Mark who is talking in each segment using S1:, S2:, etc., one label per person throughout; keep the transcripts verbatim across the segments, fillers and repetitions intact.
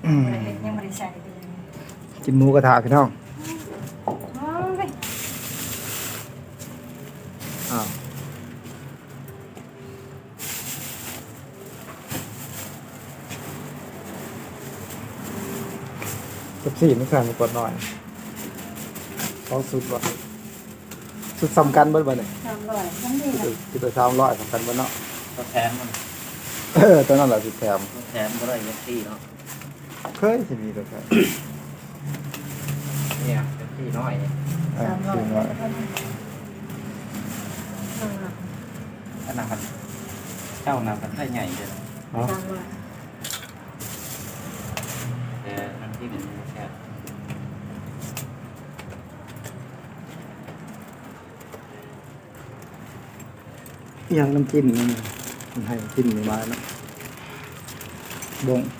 S1: ยังไม่ได้ใส่
S2: กินหมูกระทะพี่น้องอ้าวกับสี่ไม่ใส่มากดหน่อยลองสุดวะสุดสำคัญเบิ้ลบ่เนี่ย
S1: สามร้อยทั้งนี้นะ
S2: คือตัวสามร้อยสำคัญบ่เนาะ
S3: ตัวแถมมัน
S2: เออตัวนั้นแหละสุดแถม
S3: ตัวแถมก็ได้ยัดที่เนาะ
S2: เคยสิมีตัวแถม
S3: เนี่ยยัดที่น้อยเนี่ย
S2: สามร้อย
S3: ขนาดมันเจ้านามันได้ใหญ่เลย
S2: เนาะ
S3: แต่น้ำที่เป็นแค่
S2: ยังน้ำจิ้มนี่มันให้น้ำจิ้มนี่มาเนาะบง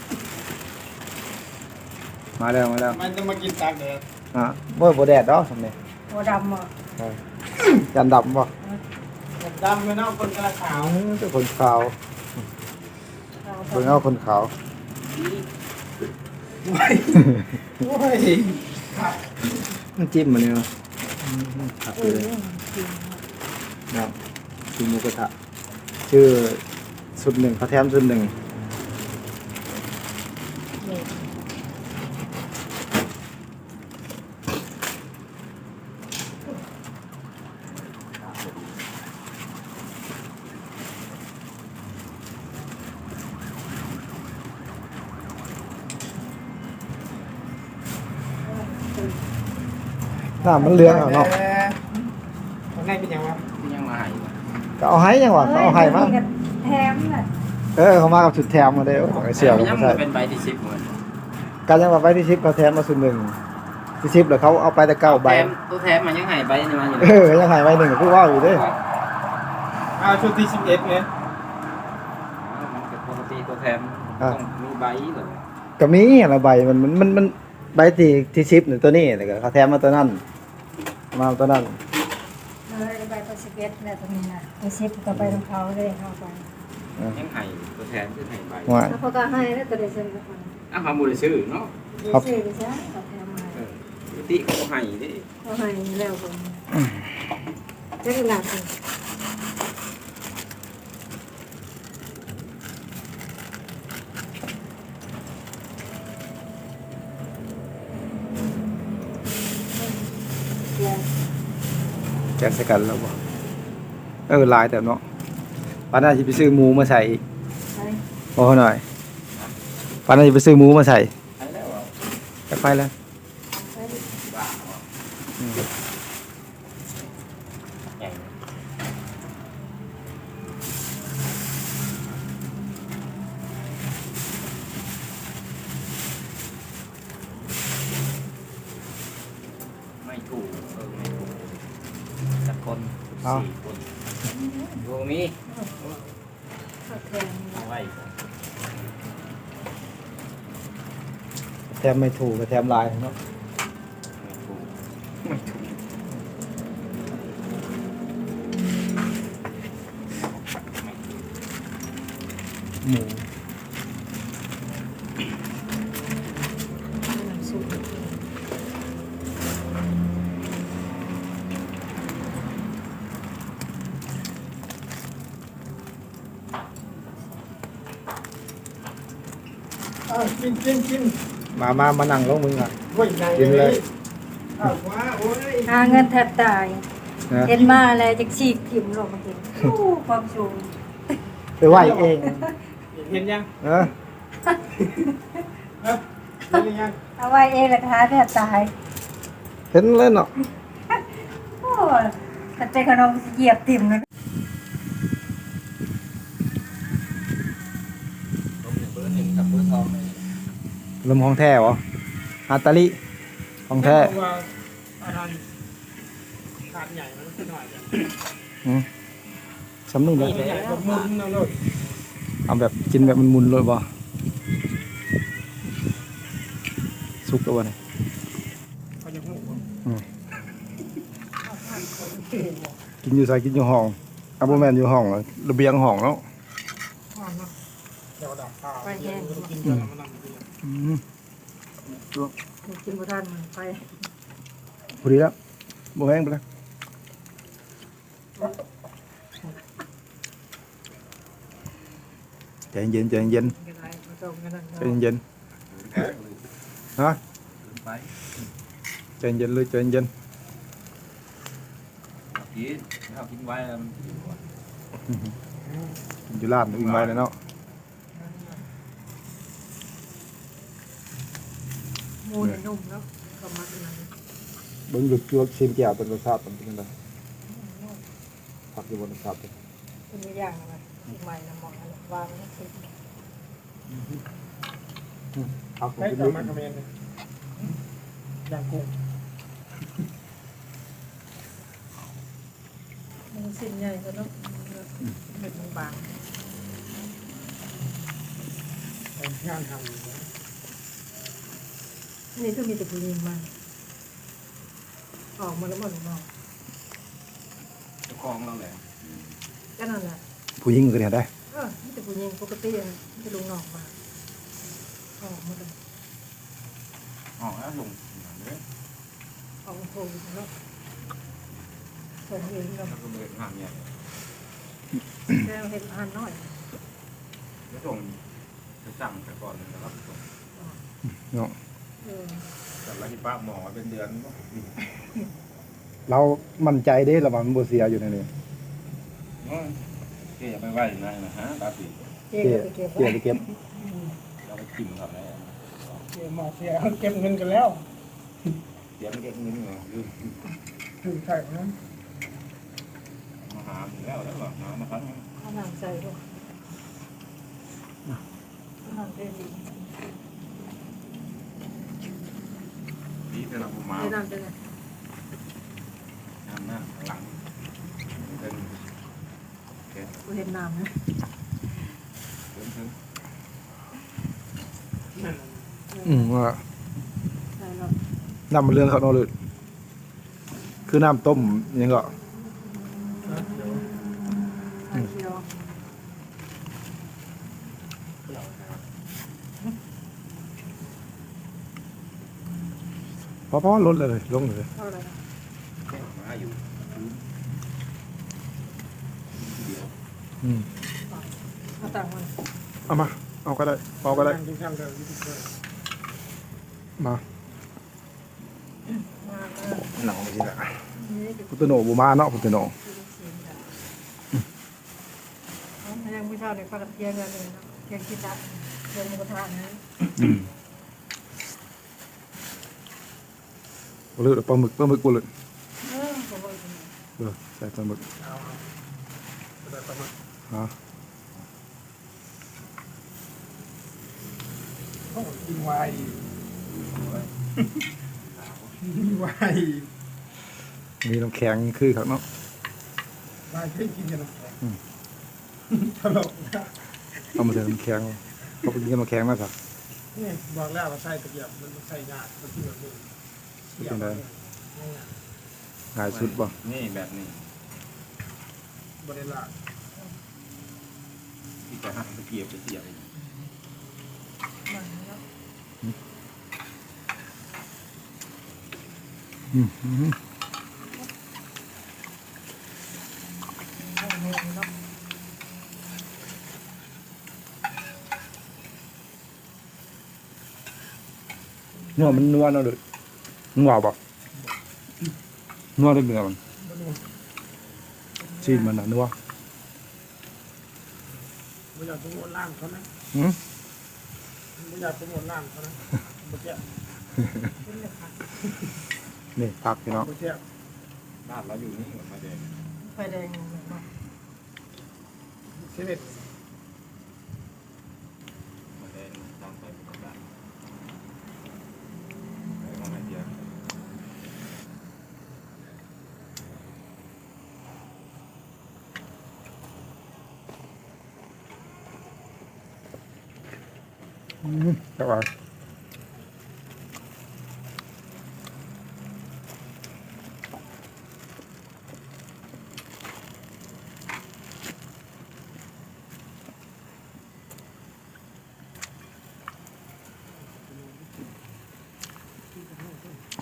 S2: มาแล้วมาแล้ว
S4: มันจะมากินตากแดด
S2: อ่ะบ่บ่แดดดอกทำไม
S1: บ่ดำอ่ะ
S2: ยันดำบ่
S4: ดำไม่นอกคนกระขาว
S2: เจ้าคนขาวเบิ่งเอาคนขาว
S4: โว้ยโว้ย
S2: น้ำจิ้มมันเนี่ยครับเลยเนาะกินหมูกระทะชื่อสุดหนึ่งเขาแถมสุดหนึ่งน้ำมันเลี้ยงเอาเนาะ
S4: ข้างในเป็นยังไง
S3: ยังมาหาย
S2: ก็เอาให้ยังวะก็เอาให้มั้ง
S1: แถมน่ะ
S2: เออเขามากับสุดแถมมาเด้อไอเสี่ยว
S3: ยังเป็นใบที่สิบเหมือน
S2: การยังว่าใบที่สิบเขาแถมมาสุดหนึ่งที่สิบเหรอเขาเอาไปแต่เก้าใบ
S3: ตัวแถมมันยังหายใบนี่มาอยู่
S2: เออยังหายใบหนึ่งคือว่าอยู่ด้วย
S4: เอาชุดที่สิบเอ็ดเนี่ย
S3: มันเป็นปกติตัวแถมต้องมีใบหรือ
S2: ก็มีอะไรใบมันมันมันมันใบที่ที่สิบหนึ่งตัวนี้แต่ก็เขาแถมมาตัวนั้นมาตัวนั้น
S1: เลยใบตัวสิบเอ็ดเนี่ยตรงนี้นะตัวสิบก็ไปของเขาเลยเข้าไป
S3: ยังหายตัวแถมคือหายใบ
S1: แล้วเขาก็ให้แล้วตัวเดียวซื้อกัน
S3: อ่ะเขาบุญซื้อเนาะ
S1: ครับซื้อไปซะเขาแถมมา
S3: ปกติเขาให้ดิ
S1: เขาให้แล้วผมจะขนาดไหน
S2: แกะใส่กันแล้วบ่เออลายแต่เนาะปานนั้นจะไปซื้อหมูมาใส่อีกพอหน่อยปานนั้นจะไปซื้อหมูมาใส่จะไปแล้ว
S3: ไม่ถูกเออไม่ถูกสักคนสี่คนดูมีเอาไว้
S2: แถมไม่ถูกก็แถมลายเนาะ
S3: ไม่ถูกไม่ถูก
S2: หมู
S4: กินกินกิน
S2: มามามานั่งลงมึงอ่ะ
S4: กินเลย
S1: หาเงินแทบตายเห็นมาอะไรจะฉีกถิ่มลงมากินความสูง
S2: ไปไหวเอง
S4: เห็นยัง
S2: เออ
S4: เห็นยัง
S1: เอาไว้เองราคาแทบตาย
S2: เห็นเลยเนาะ
S1: โอ้แต่ใจขนมเหยียบติ่มเลย
S2: ลมของแท้เหรอฮาตาลิของแท้
S4: ขาดใหญ่มันขึ้นหน่อย
S2: อืมสำนึกเลย
S4: มุนนะลูก
S2: เอาแบบกินแบบมันมุนเลยบ่สุกแล้วบ่เนี่ยกินอยู่ใส่กินอยู่ห้องอาโบแมนอยู่ห้องระเบียงห้องแล้ว
S4: เดี๋ยวดับข้าวเดี๋ยวมันกินกันแล้วมันนั่งกิน
S2: อืมตัว
S1: กินบ่ทันมันไป
S2: พอดีแล้วบ่แห้งไปแล้วใจเย็นใจเย็น
S1: กันไรมาส่งกันนั่น
S2: ใจเย็นฮะ
S3: ไป
S2: ใจเย็นเลยใจเย็น
S3: กินข้าวกินไว้แล้วมันอยู่ก่อน
S2: อยู่ร้านวิ่งไว้เลยเนาะ
S1: หมูนี่นุ่มแล้วก็มาเป็นนั้น
S2: เบิ่งหลุดจวกชิมแก้วเป็นรสชาติเป็นยังไงผักอยู่บนรสชาติ
S1: เป็นอย่างไรใหม่นะหมองวางนี่คือ
S2: ผัก
S4: ไม่
S2: เป็น
S4: ต่อ
S2: ลูก
S4: มาคอมเมนต์ย่างกุ้ง
S1: มันสิ้นใหญ่ก็ต้องเม็ดบาง
S4: เป็นงานทำ
S1: นี่ก็มีแต่ผู้หญิงมาออกมาแล้วหมดเนาะ
S3: เจ้าของเราแหละ
S1: ก็นั่นแหละ
S2: ผู้หญิงก็เนี่ยได้
S1: เออมีแต่ผู้หญิงปกติจะลุงนอกมาออกมาเลย
S3: อ๋อแล้วลงเนี่ย
S1: ออกโผล่เนาะส่วนเองก็
S3: แล้วก็เดินห่างเนี่ย
S1: แค่เห็นอาหารน้อย
S3: แล้วส่งจะสั่งแต่ก่อนแล้วก็ส่ง
S2: เนาะ
S1: เออ
S3: แต่ละที่ป้าหมอเป็นเดือน
S2: เรามั่นใจเด้ระวังมันบ่เสียอยู่ในนี้
S3: เกี่ยไปไหวยังไงนะฮะตาสี
S1: เจ๊
S2: เก็
S1: ก็
S2: บ
S1: ไปเก็บ
S2: เก็บไปเก็บ
S3: เราไปจิ้มเขาแล้ว
S4: เสียหมอเสียเก็บเงินกันแล้ว
S3: เดี๋ยวมันเก็บเงินเหรอลืม
S4: ถึงใช่ไหม
S3: มาหาแล้วแล้วหรอหามาครั้ง
S1: เอาหนังใส่ด้วยหนังเป็นดี
S3: นี่เป็นเรามา
S1: ไม่นำเป็นไง
S3: น้ำหน้าหลังเป็น
S1: กูเห็นน้ำนะ
S3: ถึงถึง
S2: อืมว่า
S1: ใช่แล้ว
S2: น้ำมันเรื่องเขาเนาะเลยคือน้ำต้มยังก็
S1: ไข่เคียว
S2: พอพอลดเลยลงเลย
S1: เท่าไหร่นะ
S3: มาอยู่เดียว
S2: อืม
S1: เอาต่างมัน
S2: เอามาเอาก็ได้เอาก็ได้
S4: ที่ทำกันที่เคย
S2: มา
S1: มาเออ
S2: หนังไม่ใช่ละ
S1: นี่คือ
S2: พุทธโนบุมาเนาะพุทธโน
S1: สีดำยังไม่เท่าเด็กปลาเทียมกันเลยนะเทียมกินได้เทียมหมูกระทะนะ
S2: บ่เลยปลาหมึกปลาหมึกบ่เลย
S1: เออผมบอกจริง
S2: เออใส่ปลาหมึก
S4: เอาแต่ประมาณ
S2: ฮะ
S4: ต้องกินไวน์กินไวน์
S2: มีน้ำแข็งคือครับเนาะ
S4: ไวน์ให้กินกันนะตลกนะ
S2: เอามาใส่น้ำแข็งเขาไปกินน้ำแข็งมาสัก
S4: นี่บอกแล้วว่าใส่ตะเกียบมันใส่ยากมันที่แบบนี้
S2: ง่ายสุดบ่
S3: นี่แบบนี้
S4: บริลา
S3: ที่จะหั่นตะเกียบจะเสียบ
S1: มันแล้ว
S2: อืมอืม
S1: โอ้โหเนาะ
S2: เนื้อมันนัวเนาะเด้อนัวบ่นัวเด้อเนื้อมันชีสมันน่ะนัว
S4: ไม่อยากโปรโมทร้านเขานะ
S2: หืม
S4: ไม่อยากโปรโมทร้านเขานะเมื่อกี้
S1: เป็นเลยค่ะ
S2: นี่ผักพี่น้อง
S4: เมื่อกี้
S3: บ้านเราอยู่นี่เหมือนมาเดง
S1: ไฟแดงเนาะ
S4: เซเว่น
S3: มาเดงตามไปปกติไปมองไม่เดียว
S2: อืมจักว่า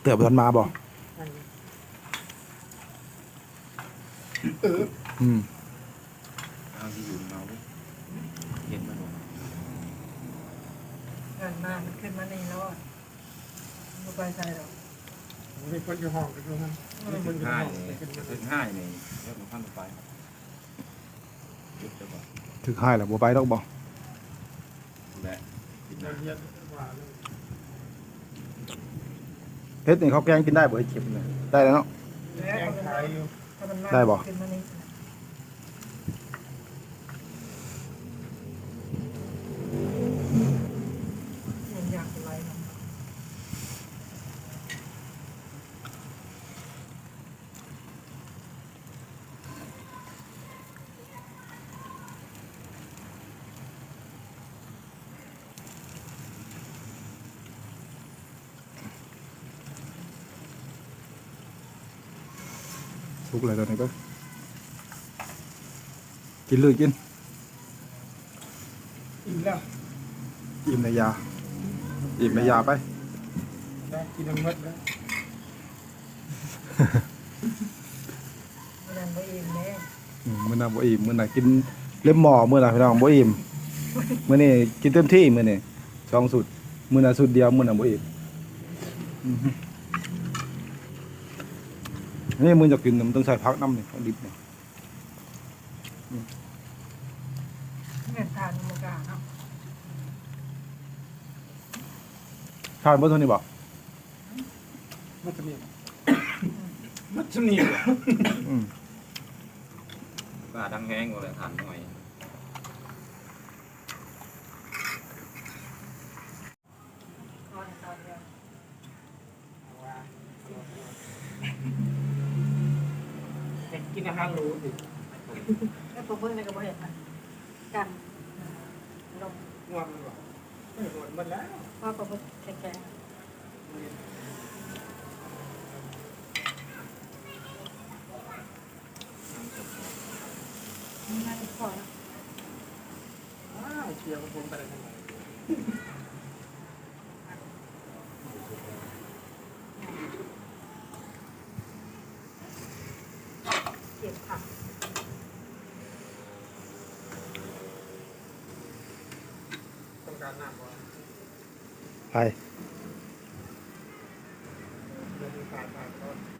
S2: อบ่ทันมาบ่
S4: เออ
S2: อืม
S3: เอาที่อยู่เมาเห็นมันบ่
S1: เงินมามันขึ้นมาในรถบ่ไปใส่หรอก
S4: มีคนอยู่ห้องกันอยู่นั่นมีคนอยู่
S3: ห้า
S4: ห้อง
S3: นี่
S4: เป็นกัน
S3: ถึงห้านี่เรื่องของขั้นต่อไปจุดจะบอก
S2: ถึกหายแล้วบ่ไปดอกบ่
S3: และกิน
S4: เรี
S3: น้ำ
S4: ยนว่าเลย
S2: เฮ็ดนี่เขาแกงกินได้บ่ไอ้เข็มเนี่ยได้แล้วเนาะ
S4: แกงขายอยู่
S1: ถ้ามันมา
S2: ได้บ่
S1: ขึ้นมานี่มันอยากอะไรเนาะ
S2: สุกเลยตอนนี้ก็กินเลยกิน
S4: อิ่มแล้ว
S2: อิ่มในยาอิ่มในยาไป
S4: ได้กินน้ำมดแล้ว
S1: มันยังบ่อิ่มแน่
S2: อืมมื้อน่ะบ่อิ่มมื้อน่ะกินเล็บหม้อมื้อน่ะพี่น้องบ่อิ่มมื้อนี้กินเต็มที่มื้อนี้สองสุดมื้อน่ะสุดเดียวมื้อน่ะบ่อิ่มอือฮึนี่มื้อจะกินน่ะมันต้องใส่ผักน้ำนี่ของดิบนี่
S1: เงินทานมันกล้าเนาะ
S2: ทานบ่เท่านี้บ่
S4: มัดจะมีมัดจะมี
S2: อืม
S3: ปลาดังแห้งก็เลยทานหน่อย
S1: นอนตอนเดียว
S4: กินอาหารหรูดิ
S1: แล้วพอเบิ่งในก็บ่เห็นนะกันลง
S4: ง่วงมันบอกไม่หมดหมดแล้ว
S1: ว่าก็บ่แข็งๆนั่นพอแล้ว
S4: ว้าวเชียร์ผมไปเลยทำไม
S1: เก็บผัก
S4: ต้องการน้ำก่อน
S2: ไป